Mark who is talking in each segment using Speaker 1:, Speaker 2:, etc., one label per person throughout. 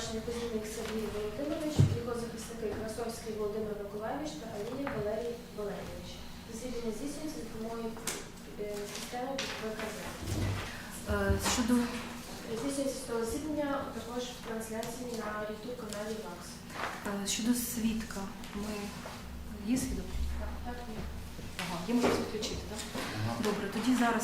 Speaker 1: обвинувачення Кузьміник Сергій Володимирович, його захисники Красовський Володимир Миколайович та Алієв Валерій Валерійович. Засідання здійснюється за допомогою системи ВКЗ.
Speaker 2: Щодо
Speaker 1: Здійснюється судове засідання також в трансляції на YouTube каналі ВАКС.
Speaker 2: щодо свідка, ми є свідок?
Speaker 1: Так, ні.
Speaker 2: Ага, є можливість відключити, так? Добре, тоді зараз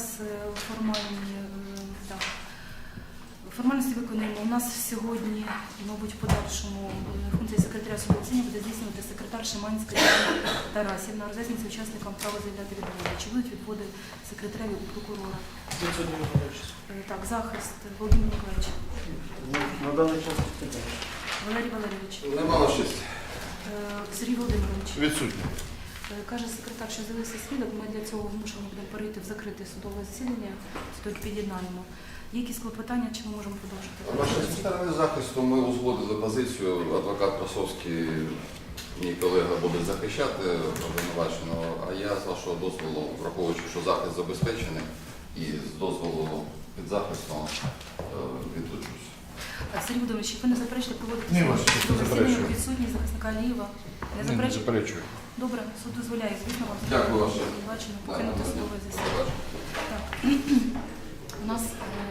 Speaker 2: формальності виконуємо. У нас сьогодні, мабуть, в подальшому функції секретаря судового засідання буде здійснювати секретар Шиманська Тарасівна, роз'яснюється учасникам право заявляти відводи. Чи будуть відводи секретаря і прокурора? Так, захист Володимир Миколаївич.
Speaker 3: На даний час не
Speaker 2: Валерій Валерійович.
Speaker 4: Немало щастя.
Speaker 2: Сергій Володимирович.
Speaker 4: Відсутні.
Speaker 2: Каже секретар, що з'явився свідок, ми для цього змушені будемо перейти в закрите судове засідання, тільки під'єднаємо. Є якісь клопотання, чи ми можемо продовжити?
Speaker 4: Зі сторони захисту ми узгодили позицію. Адвокат Красовський, мій колега, буде захищати обвинуваченого, а я з вашого дозволу, враховуючи, що захист забезпечений, і з дозволу під захистом відлучусь.
Speaker 2: Сергій Володимирович, ви не заперечуєте проводити
Speaker 4: Ні, ваше честь, не заперечую.
Speaker 2: відсутність захисника Алієва? Не
Speaker 4: Не
Speaker 2: заперечуєте?
Speaker 4: заперечую.
Speaker 2: Добре, суд дозволяє, звісно, вам
Speaker 4: Дякую, ваше.
Speaker 2: бачимо, покинути судове засідання. Так. У нас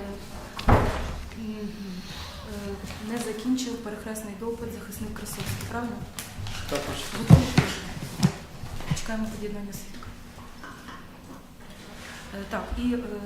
Speaker 2: не закінчив перехресний допит захисник Красовський, правильно?
Speaker 3: також.
Speaker 2: Готові? Чекаємо під'єднання свідка. Так, і